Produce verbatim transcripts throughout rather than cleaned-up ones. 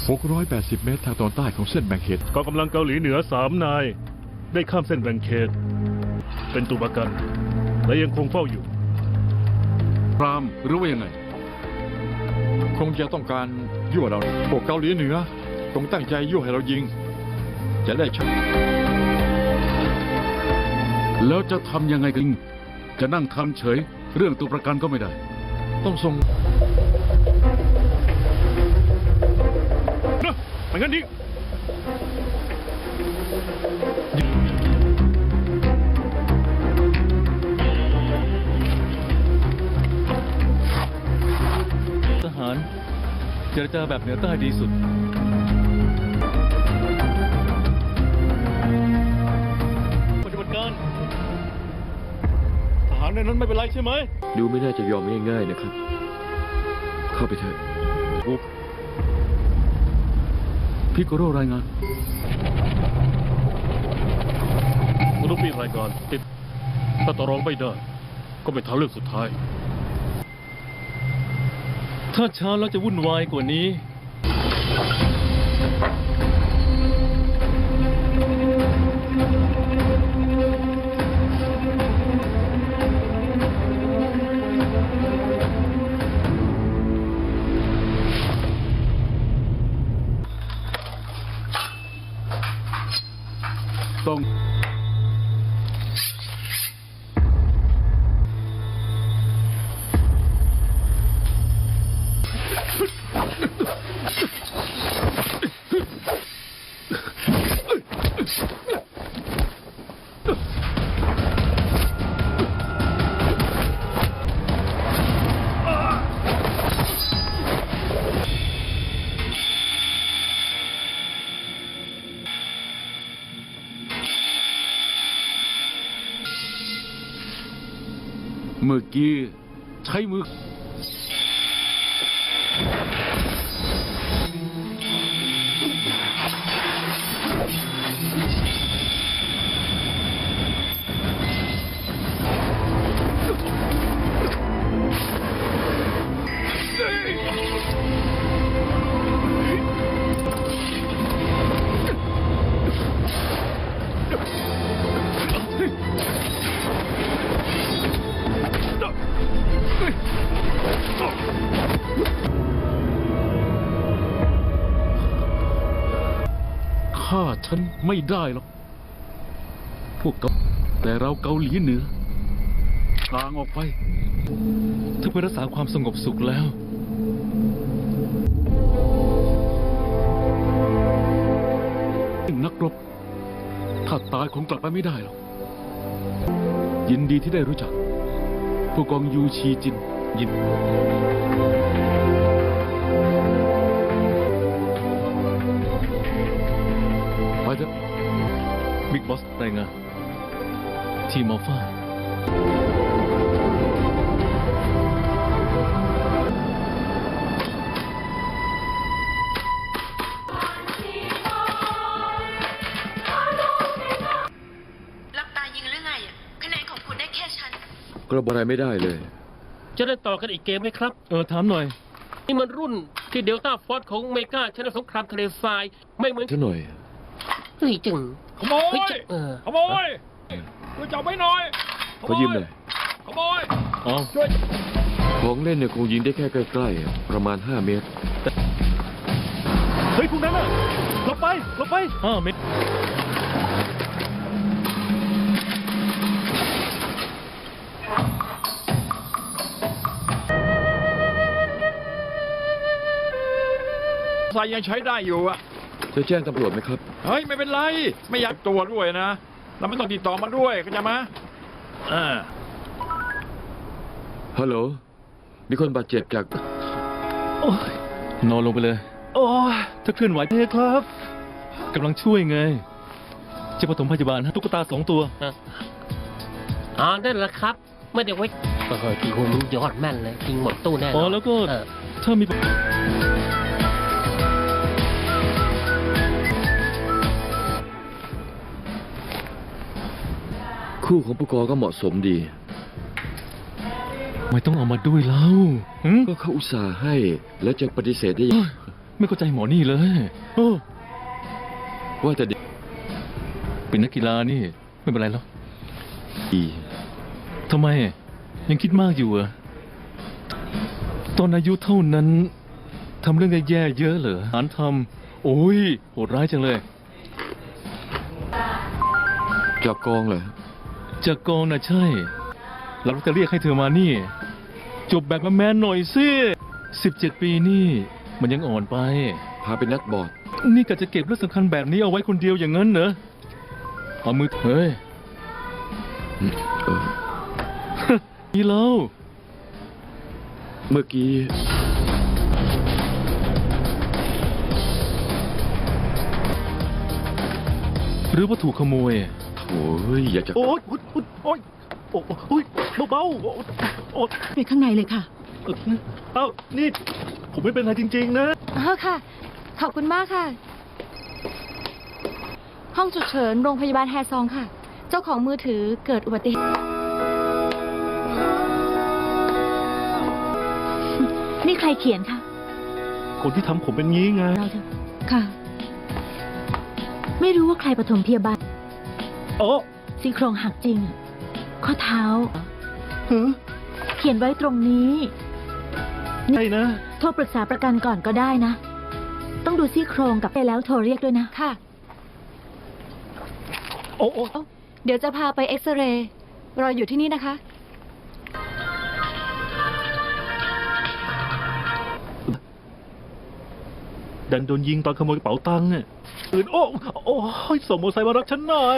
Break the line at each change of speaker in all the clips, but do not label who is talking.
หกร้อยแปดสิบ เมตรทางตอนใต้ของเส้นแบ่งเขต
กองกำลังเกาหลีเหนือสามนาย ได้ข้ามเส้นแบ่งเขต เป็นตัวประกัน และยังคงเฝ้าอยู่
พรามหรือว่ายังไง
คงจะต้องการยั่วเราพวกเกาหลีเหนือคงตั้งใจยั่วให้เรายิง จะได้ชัก
แล้วจะทำยังไงกัน จะนั่งทำเฉย เรื่องตัวประกันก็ไม่ได้
ต้องส่ง
นะไม่งั้นดิ
ทหารเจรจาแบบเหนือใต้ดีสุดปฏิบัติการทหารในนั้นไม่เป็นไรใช่ไหม
ดูไม่น่าจะยอมง่ายๆนะครับ เข้าไปเถอะ
พิโกโรรายงาน
มนุษย์มีรายการติดถ้าต่อรองไม่ได้ ก็เป็นทางเลือกสุดท้าย
ถ้าช้าแล้วจะวุ่นวายกว่านี้
ต้องเมื่อกี้ใช้มือ ฆ่าฉันไม่ได้หรอก พวกเกาแต่เราเกาหลีเหนือกลางออกไป
ถ้าเพื่อรักษาความสงบสุขแล้ว
นักรบ ถ้าตายคงกลับไปไม่ได้หรอก ยินดีที่ได้รู้จัก ผู้กองยูชีจิน ยิน ไปเถอะ
บิ๊กบอสรายงานทีมอัลฟา
หลับตายิงหรือไงอ่ะคะแนนของคุณได้แค่ชั้น
กระบอกอะไรไม่ได้เลย
จะได้ต่อกันอีกเกมไหมครับ
เออถามหน่อย
นี่มันรุ่นที่เดลต้าฟอร์สของเมกาชนะสงครามทะเลทราย ไม่เหมือน
ซะหน่อย
เฮ้ยจึง
ขโม
เฮ้ย
ย
จึงเออ
ขโมยช่วยจับไว้หน่อย
ขอยืมหน่อย
ขโมย
เอา
ช่วย
ของเล่นเนี่ยคงยิงได้แค่ใกล้ๆ ประมาณห้าเมตร
เฮ้ยพวกนั้นน่ะหลบไปหลบไปห้าเมตร
ใส่ยังใช้ได้อยู่อะ
จะแจ้งตำรวจไหมครับ
เฮ้ย ไม่เป็นไร ไม่อยากตัวด้วยนะ เราไม่ต้องติดต่อมาด้วยเข้าใจไหมอ่า
ฮัลโหล มีคนบาดเจ็บจาก
โอ้ยนอนลงไปเลย โอ้ยถ้าเคลื่อนไหวเทครับกำลังช่วยไง จะปฐมพยาบาลฮะตุ๊กตาสองตัว
อ่าได้แล้วครับ ไม่ได้ไว้เออทีโหมันยอดแม่นเลยยิงหมดตู้แน่น
อ๋
อ
อน แล้วก็
เออ
ถ้ามี
คู่ของผู้กองก็เหมาะสมดี
ไม่ต้องเอามาด้วยแล้วหึ
ก็เขาอุตส่าห์ให้ แล้วจะปฏิเสธได้ยัง
ไม่เข้าใจหมอนี่เลยโอ้
ว่าแต่เด็ก
เป็นนักกีฬานี่ ไม่เป็นไรหรอก
ดี
ทำไม ยังคิดมากอยู่เหรอะตอนอายุเท่านั้นทำเรื่องแย่ๆเยอะเหรอหารทำโอ้ยโหดร้ายจังเลย
จากกองเหรอ
จากกองน่ะใช่เราจะเรียกให้เธอมานี่ จบแบบแมนๆหน่อยสิสิบเจ็ดปีนี่ มันยังอ่อนไป
พาไปนักบอร์ด
นี่กะจะเก็บเรื่องสำคัญแบบนี้เอาไว้คนเดียวอย่างนั้นเหรอเอามือเฮ้ย
อืมเออ
นี่เล่า
เมื่อกี้
หรือว่าถูกขโมย
โถ่เฮ้ยอยากจะ
โอ๊ยโอ๊ยโอ๊ยโอ๊ยโอ๊ยเบาๆโอ๊ยโอ๊ย
ไปข้างในเลยค่ะ
เอ้านี่ ผมไม่เป็นไรจริงๆนะ
อ๋อค่ะ ขอบคุณมากค่ะ ห้องฉุกเฉินโรงพยาบาลแฮซองค่ะ เจ้าของมือถือเกิดอุบัติเหตุ นี่ใครเขียนคะ
คนที่ทำผมเป็นงี้ไง
เราเถอะค่ะ ไม่รู้ว่าใครปฐมพยาบาล
โอ้
ซี่โครงหักจริงอะข้อเท้า
เฮ้ย
เขียนไว้ตรงนี้
ไงนะ
โทรปรึกษาประกันก่อนก็ได้นะ ต้องดูซี่โครงกับไปแล้วโทรเรียกด้วยนะ ค่ะ
โอ้โอ้
เดี๋ยวจะพาไปเอ็กซเรย์ รออยู่ที่นี่นะคะ
ดันโดนยิงตอนขโมยกระเป๋าตังค์อ่ะอื่นโอ้โอ้ยส่งมอเตอร์ไซค์มารับฉันหน่อย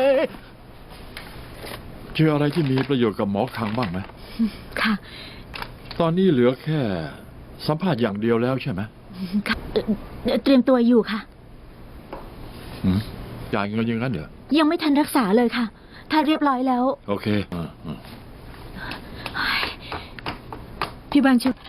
เจออะไรที่มีประโยชน์กับหมอคังบ้างไหม
ค่ะ
ตอนนี้เหลือแค่สัมภาษณ์อย่างเดียวแล้วใช่ไหม
ค่ะเอ่อเตรียมตัวอยู่ค่ะ
หืมจ่ายเงินอยังงั้นเหรอ
ยังไม่ทันรักษาเลยค่ะ ถ้าเรียบร้อยแล้ว
โอเคอ่าอ่า
พี่บางชุด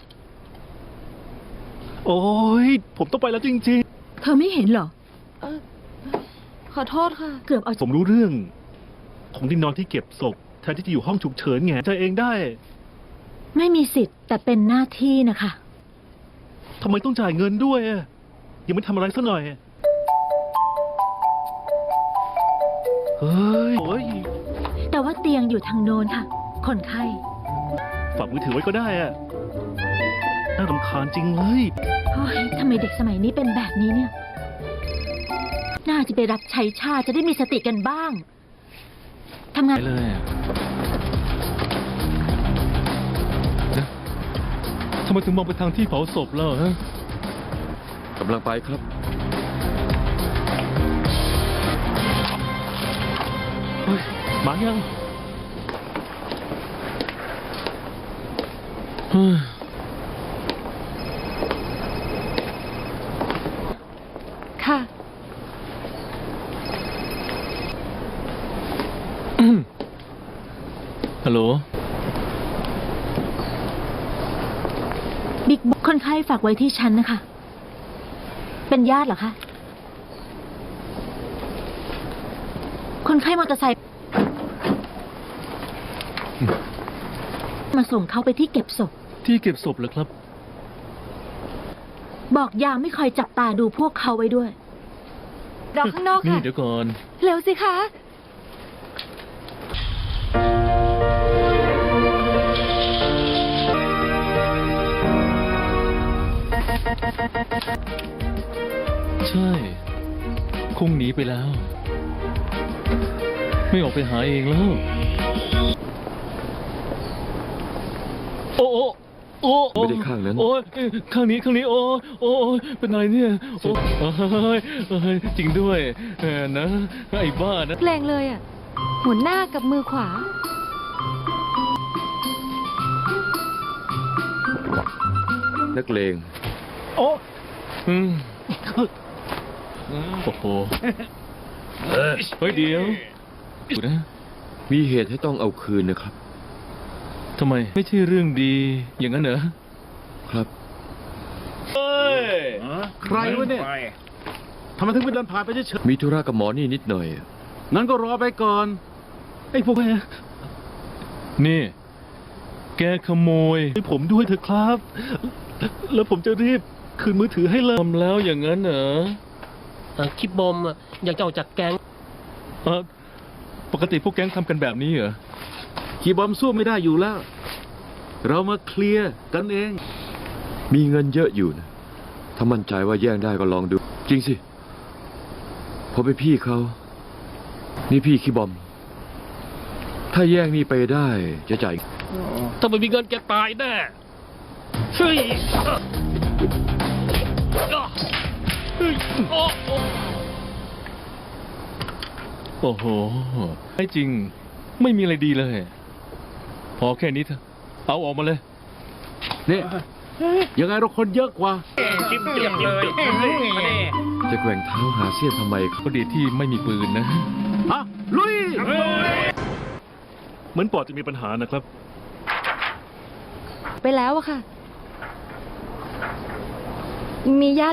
โอ้ยผมต้องไปแล้วจริง
เธอไม่เห็นเหรอ เออขอโทษค่ะ เกือบเอา
ๆ ผมรู้เรื่องของที่นอนที่เก็บศพแทนที่จะอยู่ห้องฉุกเฉินไงใจเองได้
ไม่มีสิทธิ์แต่เป็นหน้าที่นะคะ
ทำไมต้องจ่ายเงินด้วยอะยังไม่ทำอะไรซะหน่อย เฮ้ยโอ้ย
แต่ว่าเตียงอยู่ทางโน้นค่ะ คนไข้
ฝากมือถือไว้ก็ได้อะน่ารำคาญจริงเลย
โอ้ยทำไมเด็กสมัยนี้เป็นแบบนี้เนี่ย น่าจะไปรับใช้ชาติจะได้มีสติกันบ้าง ทำงาน
ไปเลยอะนะทำไมถึงมองไปทางที่เผาศพแล้วฮะ
กำลังไปครับ
เฮ้ยมายัง
เฮ้ย
ค่ะ
ฮัลโหล
บิ๊กคนไข้ฝากไว้ที่ฉันนะคะ เป็นญาติเหรอคะ คนไข้มอเตอร์ไซค์มาส่งเขาไปที่เก็บศพ
ที่เก็บศพเหรอครับ
บอกยามไม่คอยจับตาดูพวกเขาไว้ด้วย รอข้างนอก
นี่
ค่ะ
เดี๋ยวก่อน
เร็วสิคะ
ใช่ คงหนีไปแล้ว ไม่ออกไปหาเองแล้ว โอ้โอ้โอ้โอ้
ไม่ได้ข้างนั้น
โอ้ยข้างนี้ข้างนี้โอ้โอ้เป็นอะไรเนี่ยโอ้ยเอ้ยจริงด้วยเออนะไอ้บ้านะ
แรงเลยอ่ะ หมุนหน้ากับมือขวา
นักเลง
โอ้
อืมโอ้โหเฮ้ยเดี๋ยวดูนะ
มีเหตุให้ต้องเอาคืนนะครับ
ทำไมไม่ใช่เรื่องดีอย่างนั้นเหรอ
ครับ
ใครวะเนี่ยทำไมถึงเป็นเดินผ่านไปเฉย
มีธุระกับหมอนี่นิดหน่อย
ๆงั้นก็รอไปก่อน
ไอ้พวกแก
นี่ แกขโมย
ให้ผมด้วยเถอะครับ แล้วผมจะรีบคืนมือถือให้เลย
ทำแล้วอย่างนั้นเหรอ
เอ่อคิดบอมอะอยากจะออกจากแก๊ง
เออปกติพวกแก๊งทำกันแบบนี้เหรอ
คีบอมสู้ไม่ได้อยู่แล้ว เรามาเคลียร์กันเอง
มีเงินเยอะอยู่นะ ถ้ามั่นใจว่าแย่งได้ก็ลองดู จริงสิผมเป็นพี่เขา นี่พี่คีบอม ถ้าแย่งนี่ไปได้จะจ่าย
ถ้าไม่มีเงินแกตายแน่เฮ้ยเฮ้ยโอ้โอ้
โอ้โหไม่จริง ไม่มีอะไรดีเลย พอแค่นี้เถอะ เอาออกมาเลย
เนี่ยยังไงเราคนเยอะกว่า
จิ้มเจียมเลยมาเน่
จะแกว่งเท้าหาเสี้ยนทำไม
ก็ดีที่ไม่มีปืนนะ
ฮะ ลุย
เหมือนปอดจะมีปัญหานะครับ
ไปแล้วอะค่ะ มีญาติ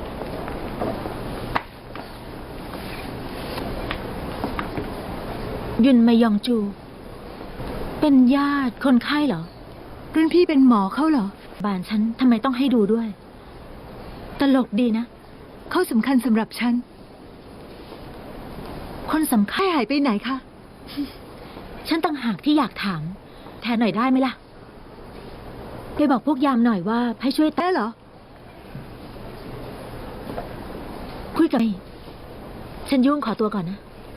ยุนมายองจู เป็นญาติคนไข้เหรอ รุ่นพี่เป็นหมอเขาเหรอ บ้านฉันทำไมต้องให้ดูด้วย ตลกดีนะ เขาสำคัญสำหรับฉัน คนสำคัญหายไปไหนคะ ฉันต่างหากที่อยากถาม แทนหน่อยได้ไหมล่ะ ไปบอกพวกยามหน่อยว่าให้ช่วยได้เหรอ คุยกับไอ้ฉันยุ่งขอตัวก่อนนะ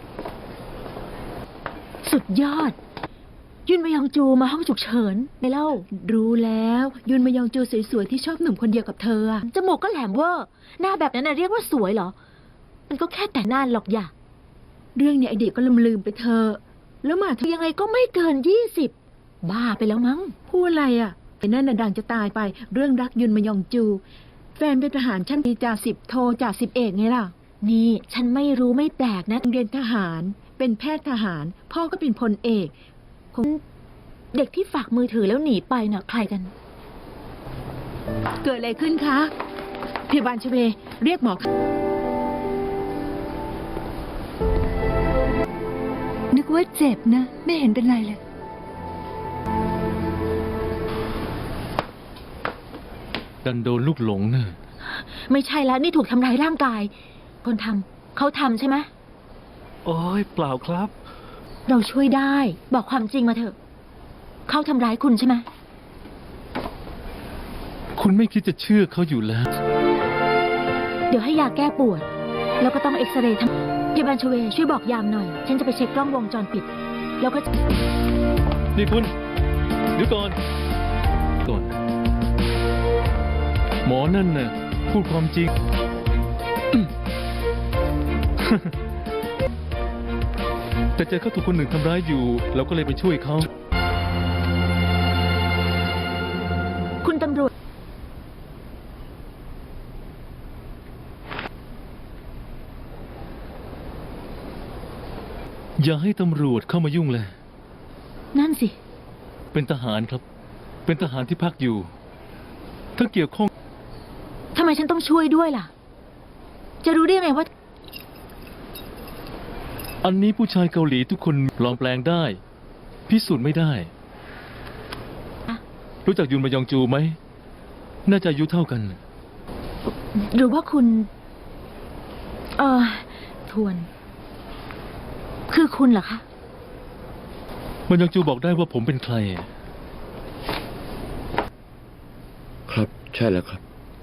สุดยอด ยุนมายองจูมาห้องฉุกเฉินไปเล่า รู้แล้ว ยุนมายองจูสวยๆที่ชอบหนุ่มคนเดียวกับเธออะจมูกก็แหลมเวอร์หน้าแบบนั้นน่ะเรียกว่าสวยเหรอ มันก็แค่แต่งหน้าหรอกอย่า เรื่องเนี้ยไอเด็กก็ลืมลืมๆไปเธอ แล้วมาถึงยังไงก็ไม่เกินยี่สิบ บ้าไปแล้วมั้ง พูดอะไรอ่ะไอ้นั่นน่ะดังจะตายไป เรื่องรักยุนมายองจู แฟนเป็นทหารชั้นปีจ่าสิบโทจ่าสิบเอกไงล่ะ นี่ฉันไม่รู้ไม่แปลกนะเรียนทหาร เป็นแพทย์ทหาร พ่อก็เป็นพลเอกคงเด็กที่ฝากมือถือแล้วหนีไปน่ะใครกัน เกิดอะไรขึ้นคะพยาบาลชเวเรียกหมอนึกว่าเจ็บนะ ไม่เห็นเป็นไรเลย
ดันโดนลูกหลงเนอะ
ไม่ใช่แล้วนี่ถูกทำร้ายร่างกาย คนทำเขาทำใช่ไหม
โอ้ยเปล่าครับ
เราช่วยได้ บอกความจริงมาเถอะ เขาทำร้ายคุณใช่ไหม
คุณไม่คิดจะเชื่อเขาอยู่แล้ว
เดี๋ยวให้ยาแก้ปวด แล้วก็ต้องเอ็กซเรย์ทำพยาบาลชเวช่วยบอกยามหน่อย ฉันจะไปเช็คกล้องวงจรปิด แล้วก็
นี่คุณเดี๋ยวก่อน ก่อน หมอนั่นน่ะพูดความจริง แต่เจอเขาถูกคนหนึ่งทำร้ายอยู่ เราก็เลยไปช่วยเขา
คุณตำรวจ
อย่าให้ตำรวจเข้ามายุ่งเลย
นั่นสิ
เป็นทหารครับ เป็นทหารที่พักอยู่ ถ้าเกี่ยวข้อง
ทำไมฉันต้องช่วยด้วยล่ะ จะรู้ได้ไงว่า
อันนี้ผู้ชายเกาหลีทุกคนปลอมแปลงได้ พิสูจน์ไม่ได้
อะ
รู้จักยุนมายองจูไหม น่าจะอายุเท่ากัน
หรือว่าคุณ เออทวน คือคุณเหรอคะ
มันยองจูบอกได้ว่าผมเป็นใคร
ครับ ใช่แล้วครับ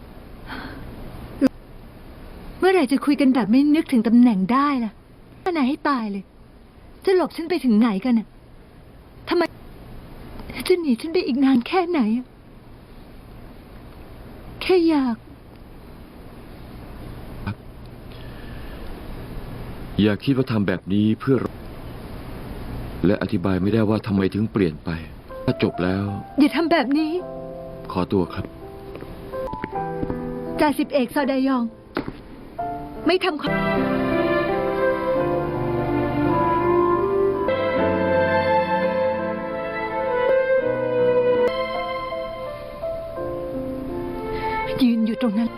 เมื่อไหร่จะคุยกันแบบไม่นึกถึงตำแหน่งได้ล่ะขนาดให้ตายเลย จะหลบฉันไปถึงไหนกันน่ะทำไม จะหนีฉันไปอีกนานแค่ไหนอะแค่อยาก
อย่าคิดว่าทำแบบนี้เพื่อ และอธิบายไม่ได้ว่าทำไมถึงเปลี่ยนไป ถ้าจบแล้ว
อย่าทำแบบนี้
ขอตัวครับ
จ่าสิบเอกซอดายอง ไม่ทำความยืนอยู่ตรงนั้น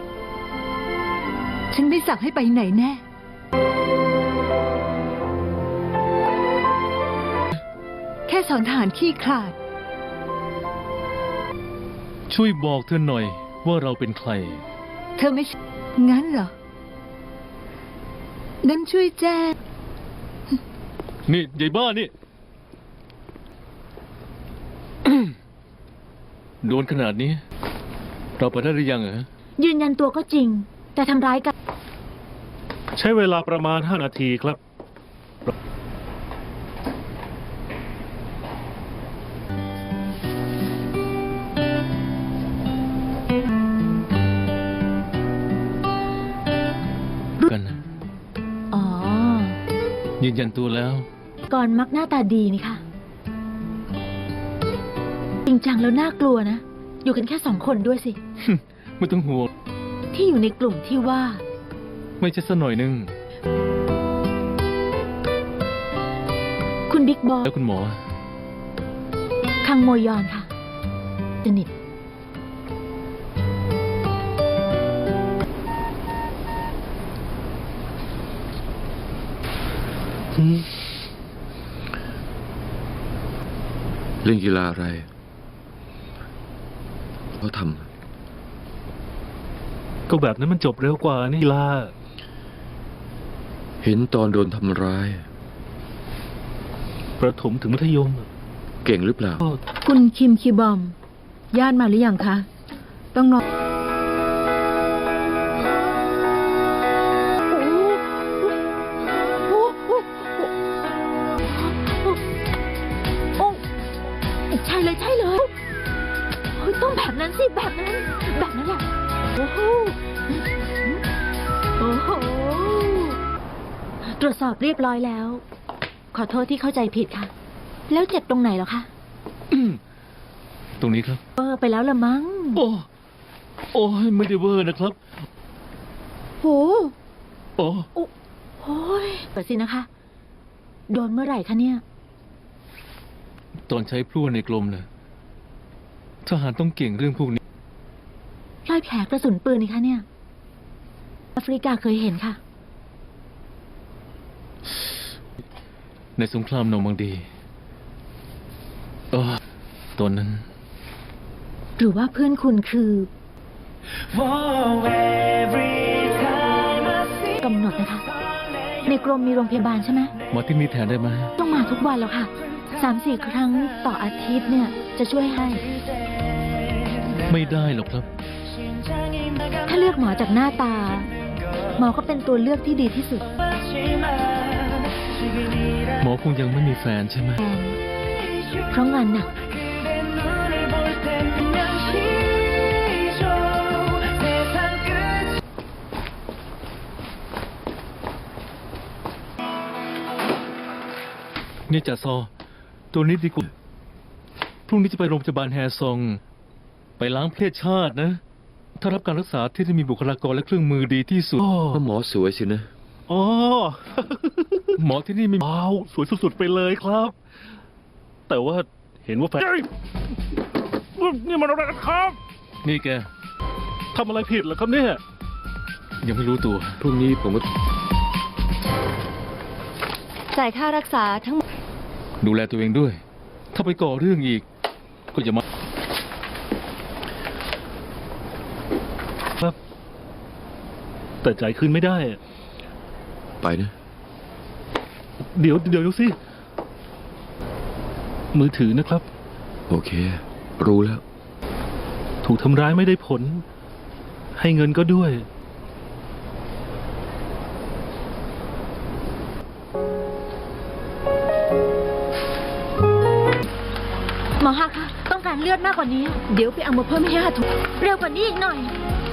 ฉันไม่สั่งให้ไปไหนแน่ แค่สอนทหารขี้ขลาด
ช่วยบอกเธอหน่อยว่าเราเป็นใคร
เธอไม่งั้นเหรอ งั้นช่วยแจ้ง
นี่ยายบ้านี่ โดนขนาดนี้ เราไปได้หรือยังเหรอ
ยืนยันตัวก็จริง แต่ทำร้ายกัน
ใช้เวลาประมาณห้านาทีครับ
กันนะ
อ๋อ
ยืนยันตัวแล้ว
ก่อนมักหน้าตาดีนี่ค่ะ จริงจังแล้วน่ากลัวนะ อยู่กันแค่สองคนด้วยสิ
ไม่ต้องห่วง
ที่อยู่ในกลุ่มที่ว่า
ไม่ใช่สักหน่อยนึง
คุณบิ๊กบอส
แล้วคุณหมอ
คังโมยอนค่ะสนิท
เล่นกีฬาอะไรเขาท
ก็แบบนั้นมันจบเร็วกว่านี่ล่ะ
ำเห็นตอนโดนทำร้าย
ประถมถึงมัธยม
เก่งหรือเปล่า
ก็
คุณคิมคีบอม ญาติมาหรือยังคะ ต้องรอใช่เลยใช่เลยโอ้ยต้องแบบนั้นสิแบบนั้น แบบนั้นแหละโอ้โหโอ้โหตรวจสอบเรียบร้อยแล้ว ขอโทษที่เข้าใจผิดค่ะ แล้วเจ็บตรงไหนเหรอคะ
ตรงนี้ครับ
เออไปแล้วละมั้ง
โอ้โอ้ยไม่ได้เวอร์นะครับ
โห
โอ้
โอ้โอ้ยเปิดสินะคะ โดนเมื่อไหร่คะเนี่ย
ตอนใช้พลั่วในกลมนะทหารต้องเก่งเรื่องพวกนี้
รอยแผลกระสุนปืนนี่คะเนี่ย แอฟริกาเคยเห็นค่ะ
ในสงครามนอร์มังดีเออตอนนั้น
หรือว่าเพื่อนคุณคือกำหนดนะคะ ในกรมมีโรงพยาบาลใช่ไหม
มาที่นี่แทนได้ไหม
ต้องมาทุกวันแล้วค่ะ สามสี่ครั้งต่ออาทิตย์เนี่ย จะช่วยให้
ไม่ได้หรอกครับ
ถ้าเลือกหมอจากหน้าตา หมอก็เป็นตัวเลือกที่ดีที่สุด
หมอคงยังไม่มีแฟนใช่ไหม
แทนเพราะงานหนัก
นี่จ่าซอ ตัวนี้ดีกว่าพรุ่งนี้จะไปโรงพยาบาลแฮซอง ไปล้างเพศชาตินะ ถ้ารับการรักษาที่จะมีบุคลากรและเครื่องมือดีที่สุด
ก็หมอสวยสินะ
อ๋อ
หมอที่นี่มี
ว้าว สวยสุดๆไปเลยครับ แต่ว่าเห็นว่าแฟนนี่มันอะไรครับ
นี่แก
ทำอะไรผิดเหรอครับเนี่ย
ยังไม่รู้ตัว
พรุ่งนี้ผมก็
จ่ายค่ารักษาทั้งหมด
ดูแลตัวเองด้วย ถ้าไปก่อเรื่องอีก ก็อย่ามา
ครับ แต่จ่ายคืนไม่ได้อะ
ไปนะ
เดี๋ยวเดี๋ยวดูสิ มือถือนะครับ
โอเค รู้แล้ว
ถูกทำร้ายไม่ได้ผล ให้เงินก็ด้วย
หมอฮะคะต้องการเลือดมากกว่านี้ เดี๋ยวไปเอามาเพิ่มให้ห้าถุงเร็วกว่านี้อีกหน่อย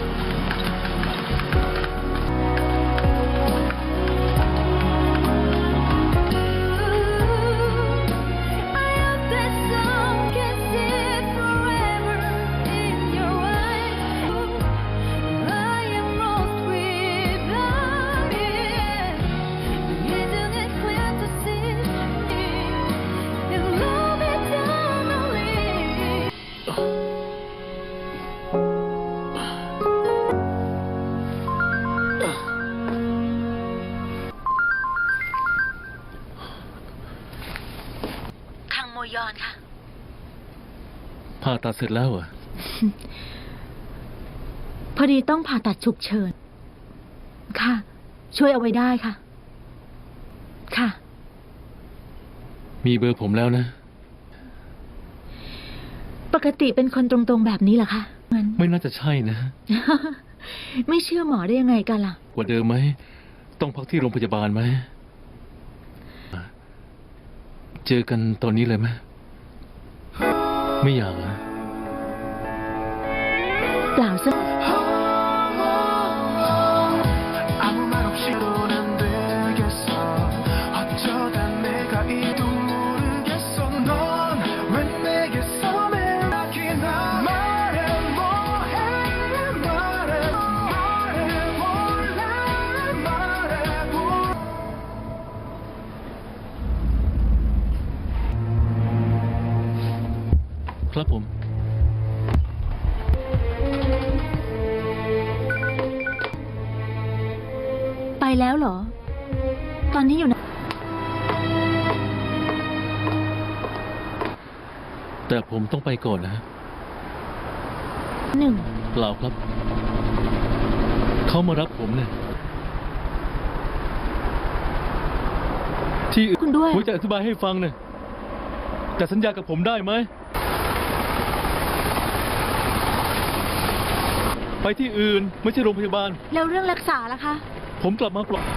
คังโมยอนค่ะ
ผ่าตัดเสร็จแล้วเหรอ
พอดีต้องผ่าตัดฉุกเฉิน ค่ะ ช่วยเอาไว้ได้ค่ะ ค่ะ
มีเบอร์ผมแล้วนะ
ปกติเป็นคนตรงๆแบบนี้เหรอคะงั้น
ไม่น่าจะใช่นะ
ไม่เชื่อหมอได้ยังไงกันล่ะ
กว่าเดิมไหม ต้องพักที่โรงพยาบาลไหม เจอกันตอนนี้เลยไหม ไม่อยากนะ
เปล่าสัก
아무 말 없이 넌 안 되겠어 어쩌다 내가 이도 모르겠어 넌 왜 내게서 매라기나 말해 뭐해 말해 말해볼래 말해볼
ครับผม
ไปแล้วเหรอ ตอนนี้อยู่ไหน
แต่ผมต้องไปก่อนนะ
หนึ่ง
เปล่าครับ เขามารับผมเนี่ย ที่อื่น
คุณด้วย
ผมจะอธิบายให้ฟังเนี่ยแต่สัญญากับผมได้ไหม ไปที่อื่นไม่ใช่โรงพยาบาล
แล้วเรื่องรักษาล่ะคะ
ผมกลับมาปลอด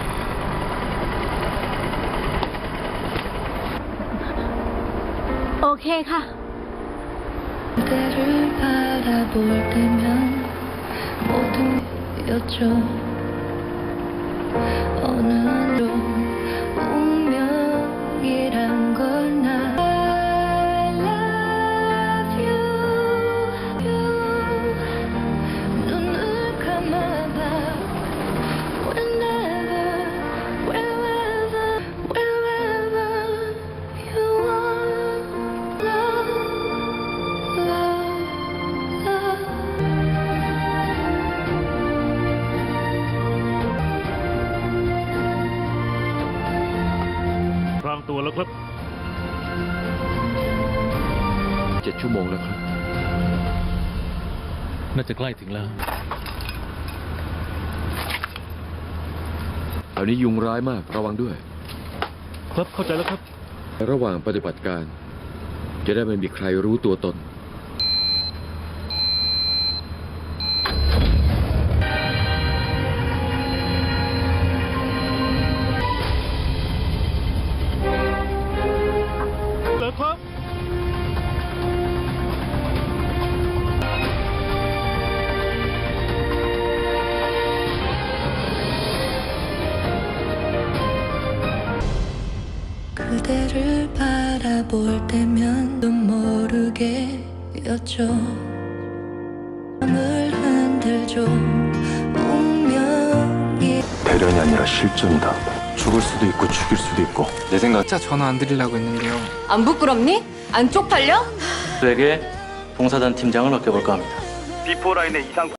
โอเคค่ะ
그대를 바라볼 때면 모두 여쭤 어느 로 운명이란 걸 나 I love you, you 눈을 감아봐 whenever wherever wherever you are love love love
พรางตัวแล้วครับ
เจ็ดชั่วโมงแล้วครับ
น่าจะใกล้ถึงแล้ว
แถวนี้ยุงร้ายมาก ระวังด้วย
ครับเข้าใจแล้วครับ
ระหว่างปฏิบัติการ จะได้ไม่มีใครรู้ตัวตน
แล้วครับ
그대를 바라볼 때면 좀 모르게 여쭤 마음을 흔들죠 운명이
배련이 아니라 실존이다. 죽을 수도 있고 죽일 수도 있고. 내 생각
진짜 전화 안 드리려고 했는데요
안 부끄럽니? 안 쪽팔려?
에게 봉사단 팀장을 맡겨볼까 합니다.
비포라인의 이상